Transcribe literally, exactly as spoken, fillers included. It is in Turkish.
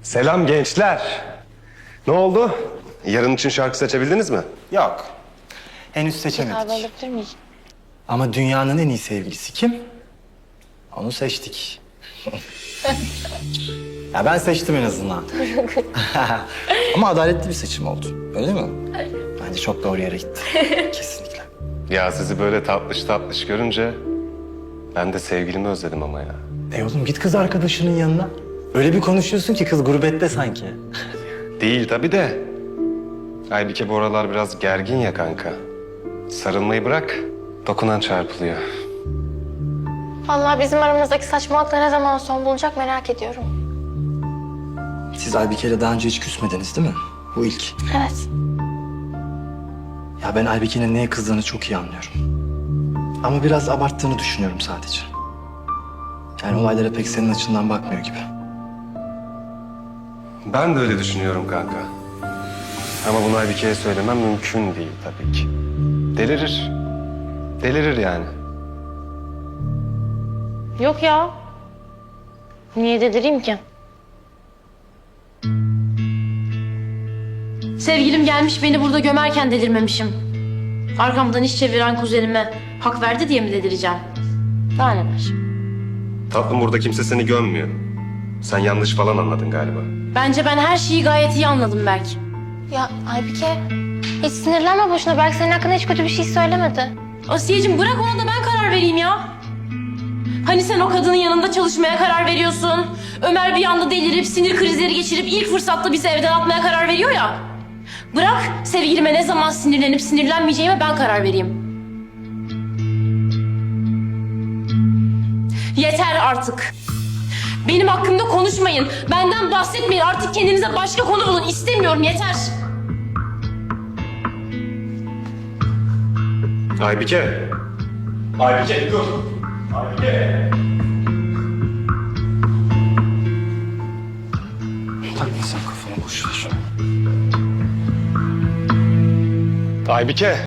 Selam gençler. Ne oldu? Yarın için şarkı seçebildiniz mi? Yok. Henüz Kahve seçemedik. alabilir miyim? Ama dünyanın en iyi sevgilisi kim? Onu seçtik. Ya ben seçtim en azından. Ama adaletli bir seçim oldu. Öyle mi? Bence çok doğru yere gitti. Kesinlikle. Ya sizi böyle tatlış tatlış görünce ben de sevgilimi özledim ama ya. E oğlum git kız arkadaşının yanına. Öyle bir konuşuyorsun ki kız gurbette sanki. Değil tabii de. Aybike bu aralar biraz gergin ya kanka. Sarılmayı bırak, dokunan çarpılıyor. Vallahi bizim aramızdaki saçmalıklar ne zaman son bulacak merak ediyorum. Siz Aybike'yle daha önce hiç küsmediniz değil mi? Bu ilk. Evet. Ya ben Aybike'nin neye kızdığını çok iyi anlıyorum. Ama biraz abarttığını düşünüyorum sadece. Yani olaylara pek senin açından bakmıyor gibi. Ben de öyle düşünüyorum kanka. Ama bunu Aybike'ye söylemem mümkün değil tabii ki. Delirir. Delirir yani. Yok ya. Niye delireyim ki? Sevgilim gelmiş beni burada gömerken delirmemişim. Arkamdan iş çeviren kuzenime hak verdi diye mi delireceğim? Daha neler? Tatlım burada kimse seni gömmüyor. Sen yanlış falan anladın galiba. Bence ben her şeyi gayet iyi anladım Berk. Ya Aybike, hiç sinirlenme boşuna. Belki senin hakkında hiç kötü bir şey söylemedi. Asiyeciğim bırak ona da ben karar vereyim ya. Hani sen o kadının yanında çalışmaya karar veriyorsun. Ömer bir anda delirip sinir krizleri geçirip ilk fırsatta bizi evden atmaya karar veriyor ya. Bırak sevgilime ne zaman sinirlenip sinirlenmeyeceğime ben karar vereyim. Yeter artık. Benim hakkımda konuşmayın. Benden bahsetmeyin. Artık kendinize başka konu bulun. İstemiyorum. Yeter. Aybike. Aybike dur. Aybike. Takma sen kafana boş ver. Aybike.